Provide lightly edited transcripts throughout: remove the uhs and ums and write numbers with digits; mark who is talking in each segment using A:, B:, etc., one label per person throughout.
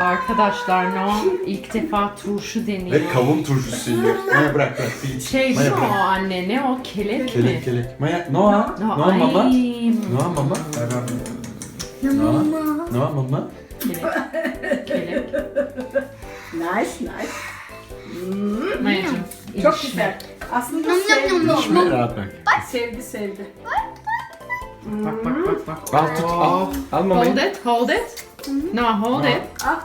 A: Arkadaşlar Noah ilk defa turşu deniyor.
B: Ve kavun turşusu yiyor. Maya bırak. Bir iç.
A: Şey
B: Maya
A: değil mi
B: bırak.
A: o anne? Ne o? Kelek mi?
B: Kelek. Maya, Noah. Noah
A: Ay.
B: mama. Noah mama. Ver ben. Noah. Noah mama.
A: Kelek.
C: Nice.
A: Mayacığım.
C: Çok
A: içme.
C: güzel. Aslında
D: Nom nom
C: sevdi
D: nom
B: İçme
C: onu.
B: rahat bırak.
C: Sevdi.
A: Bak bak bak bak.
B: Al tut al. Al mamayı.
A: Hold it. Noah hold it.
C: Ah,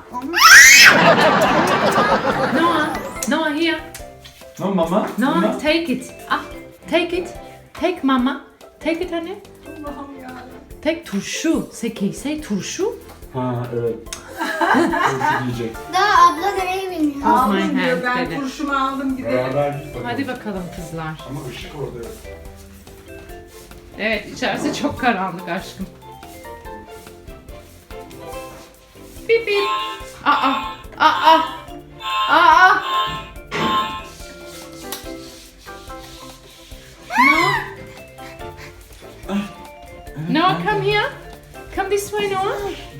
A: Noah here.
B: Noah mama.
A: Noah
B: Mama.
A: take it. Take it. Take mama. Take it anne.
C: Allah'ım ya.
A: Take turşu. Say turşu.
B: Ha evet. Turşu diyecek.
D: Daha abla nereye biniyor?
A: Hold my
C: Aldım diyor,
A: hand
C: ben
A: dedi.
C: kurşumu aldım gidelim.
B: Beraber git bakalım.
A: Hadi bakalım kızlar.
B: Ama ışık orada yok.
A: Evet içerisi çok karanlık aşkım. Bip bip. Aa. Noah, come here. Come this way, Noah.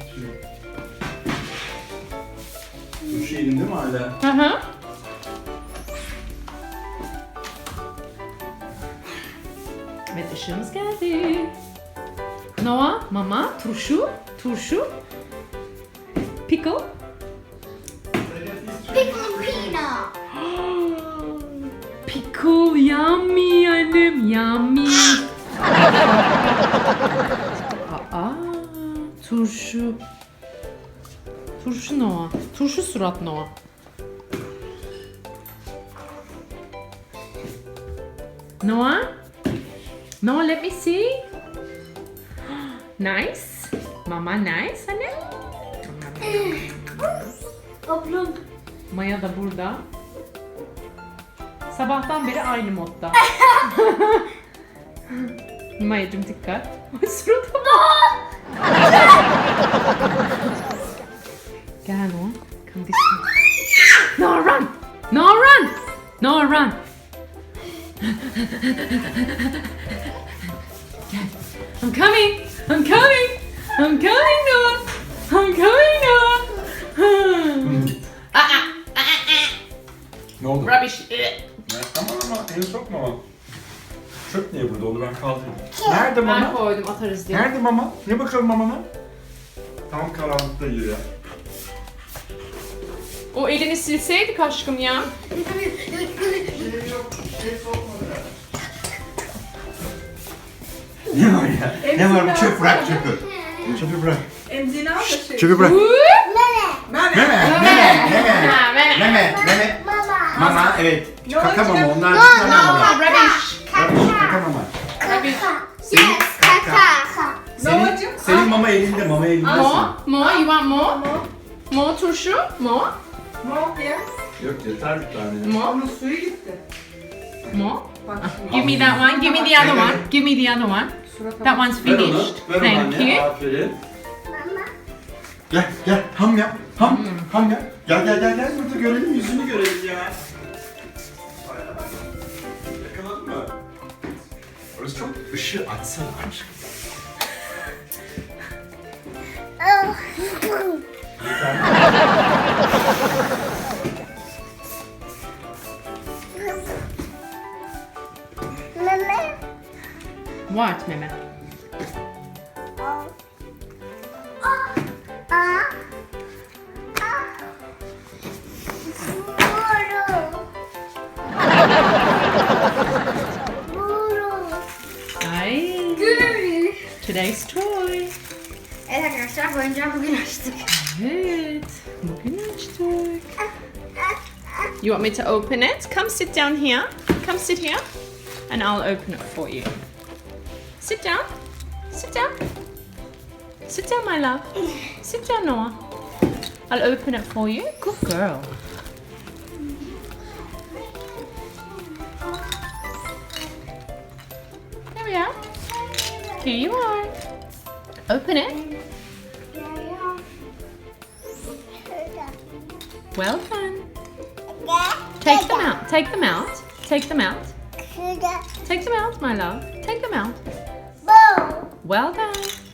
B: Turşu elinde mi hala?
A: Hı hı. Evet ışığımız geldi. Noah, mama, turşu. Pickle.
D: Pickle peanut.
A: Pickle, yummy annem, yummy. Aa, turşu. Turşu Noah. Turşu surat Noah. Noah? Noah, let me see. Nice. Mama nice anne.
D: Ablam.
A: Maya da burada. Sabahtan beri aynı modda. Maya'cığım dikkat. Ay surata bak. Gel Noah. Come this way. Noah run. Noah run. Noah run. Gel. I'm coming. Noah. I'm coming Noah.
B: Ne oldu?
A: Rubbish.
B: Ama el sokma. Çöp niye burada oldu? Ben kaldırayım. Nerede
A: Ben
B: mama?
A: koydum atarız diye.
B: Nerede mama? Ne bakalım mamana? Tam karanlıkta yiyor ya.
A: O elini silseydik aşkım ya.
B: Ne var ya? Ne var bu çöp bırak çöpü. Çöpü bırak.
C: Emzini al da şey.
B: Çöpü bırak.
C: Meme.
B: Meme.
D: Mama.
B: Mama evet. Kaka mama onlar
D: No,
B: bir tane
D: no,
B: mama.
A: Rubbish.
B: Kaka mama.
A: Rubbish.
B: Senin
D: Kaka.
C: Noah'cığım,
B: senin mama elinde mama elinde.
A: More, you want more? More turşu? More?
C: Mor ya.
B: Yok yeter bir tane.
A: More?
C: Onun suyu gitti.
A: More?
C: Bak şimdi.
A: Give me that one, give me the other one. Give me the other one.
C: Surata
A: That
C: bak.
A: one's
B: Ver onu.
A: finished.
B: Ver onu
A: Thank
B: anne.
A: you.
B: Aferin. Gel ham yap. Ham yap. Gel burada görelim yüzünü görelim ya. Yakaladın mı? Orası çok ışığı açsana aşkım.
D: Mama.
A: What, meme? Ay. Today's toy.
D: Evet arkadaşlar bu oyuncağı bugün açtık.
A: Evet. Bugün açtık. You want me to open it? Come sit down here. Come sit here. And I'll open it for you. Sit down. Sit down. Sit down, my love. Sit down, Noah. I'll open it for you. Good girl. There we are. Here you are. Open it. Well done. Take them out. Take them out. Take them out. Take them out, my love. Take them out. Well done.